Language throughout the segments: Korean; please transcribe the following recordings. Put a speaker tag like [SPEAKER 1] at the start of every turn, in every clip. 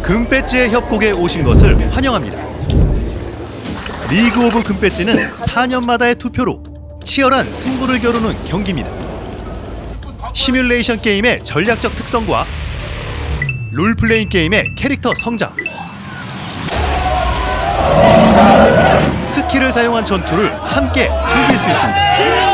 [SPEAKER 1] 금배지의 협곡에 오신 것을 환영합니다. 리그 오브 금배지는 4년마다의 투표로 치열한 승부를 겨루는 경기입니다. 시뮬레이션 게임의 전략적 특성과 롤플레잉 게임의 캐릭터 성장, 스킬을 사용한 전투를 함께 즐길 수 있습니다.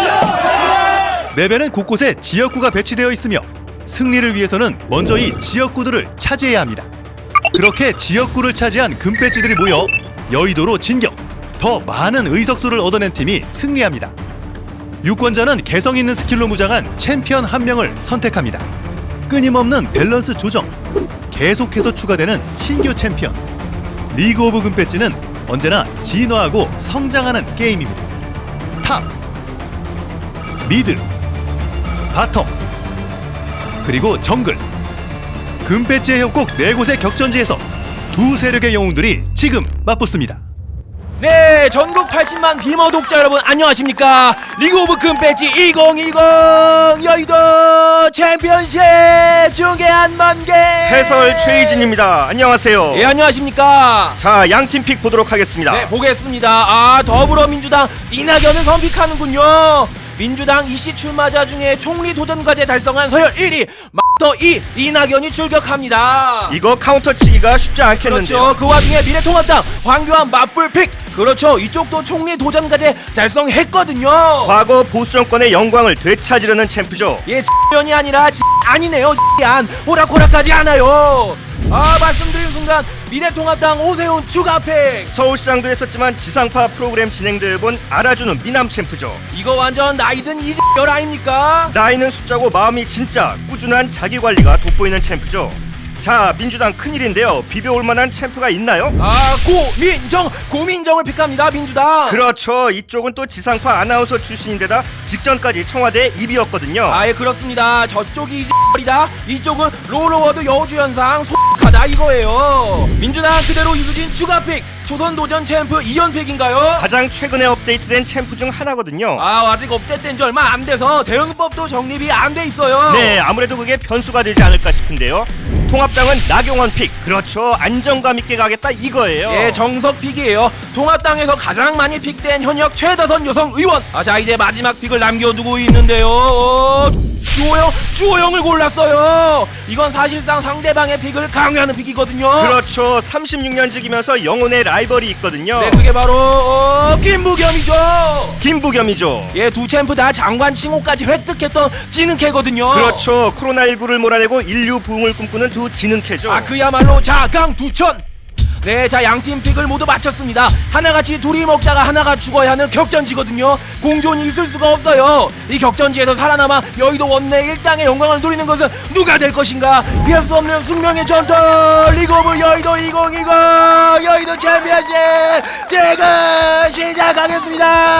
[SPEAKER 1] 맵에는 곳곳에 지역구가 배치되어 있으며 승리를 위해서는 먼저 이 지역구들을 차지해야 합니다. 그렇게 지역구를 차지한 금배지들이 모여 여의도로 진격! 더 많은 의석수를 얻어낸 팀이 승리합니다. 유권자는 개성 있는 스킬로 무장한 챔피언 한 명을 선택합니다. 끊임없는 밸런스 조정, 계속해서 추가되는 신규 챔피언. 리그 오브 금배지는 언제나 진화하고 성장하는 게임입니다. 탑, 미드, 바텀, 그리고 정글. 금배지의 협곡 4곳의 격전지에서 두 세력의 영웅들이 지금 맞붙습니다.
[SPEAKER 2] 네, 전국 80만 비머 독자 여러분 안녕하십니까? 리그 오브 금배지 2020 여의도 챔피언십 중계 한만개
[SPEAKER 3] 해설 최희진입니다. 안녕하세요.
[SPEAKER 2] 예, 안녕하십니까?
[SPEAKER 3] 자, 양팀 픽 보도록 하겠습니다.
[SPEAKER 2] 네, 보겠습니다. 더불어민주당 이낙연을 선픽하는군요. 민주당 이씨 출마자 중에 총리 도전 과제 달성한 서열 1위 마스터 2 이낙연이 출격합니다.
[SPEAKER 3] 이거 카운터 치기가 쉽지 않겠는데요.
[SPEAKER 2] 그렇죠. 그 와중에 미래통합당 황교안 맞불 픽. 그렇죠. 이쪽도 총리 도전 과제 달성했거든요.
[SPEAKER 3] 과거 보수 정권의 영광을 되찾으려는 챔프죠.
[SPEAKER 2] 예, X년이 아니라 아니네요. X안 호락호락하지 않아요. 말씀드린 순간 미래통합당 오세훈 추가팩.
[SPEAKER 3] 서울시장도 했었지만 지상파 프로그램 진행들 본 알아주는 미남 챔프죠.
[SPEAKER 2] 이거 완전 나이든 이열 아닙니까?
[SPEAKER 3] 나이는 숫자고 마음이 진짜 꾸준한 자기관리가 돋보이는 챔프죠. 자, 민주당 큰일인데요. 비벼올 만한 챔프가 있나요?
[SPEAKER 2] 고민정을 픽합니다. 민주당.
[SPEAKER 3] 그렇죠. 이쪽은 또 지상파 아나운서 출신인데다 직전까지 청와대 입이었거든요.
[SPEAKER 2] 예, 그렇습니다. 저쪽이 이다 이쪽은 롤러워드 여우주연상 소하다 이거예요. 민주당 그대로 이수진 추가픽. 조선도전 챔프 이연픽인가요?
[SPEAKER 3] 가장 최근에 업데이트된 챔프 중 하나거든요.
[SPEAKER 2] 아직 업데이트된 지 얼마 안 돼서 대응법도 정립이 안 돼 있어요.
[SPEAKER 3] 네, 아무래도 그게 변수가 되지 않을까 싶은데요. 통합당은 나경원 픽. 그렇죠. 안정감 있게 가겠다 이거예요.
[SPEAKER 2] 예, 정석 픽이에요. 통합당에서 가장 많이 픽된 현역 최다선 여성 의원. 자, 이제 마지막 픽을 남겨두고 있는데요. 주호영을 골랐어요. 이건 사실상 상대방의 픽을 강요하는 픽이거든요.
[SPEAKER 3] 그렇죠. 36년직이면서 영혼의 라이벌이 있거든요.
[SPEAKER 2] 네, 그게 바로 김부겸이죠. 예, 두 챔프 다 장관 칭호까지 획득했던 지능캐거든요.
[SPEAKER 3] 그렇죠. 코로나19를 몰아내고 인류 부흥을 꿈꾸는 두 지능캐죠.
[SPEAKER 2] 그야말로 자강두천. 네, 자, 양팀 픽을 모두 마쳤습니다. 하나같이 둘이 먹다가 하나가 죽어야 하는 격전지거든요. 공존이 있을 수가 없어요. 이 격전지에서 살아남아 여의도 원내 일당의 영광을 누리는 것은 누가 될 것인가? 피할 수 없는 숙명의 전투 리그 오브 여의도 2020 여의도 챔피언십 지금 시작하겠습니다.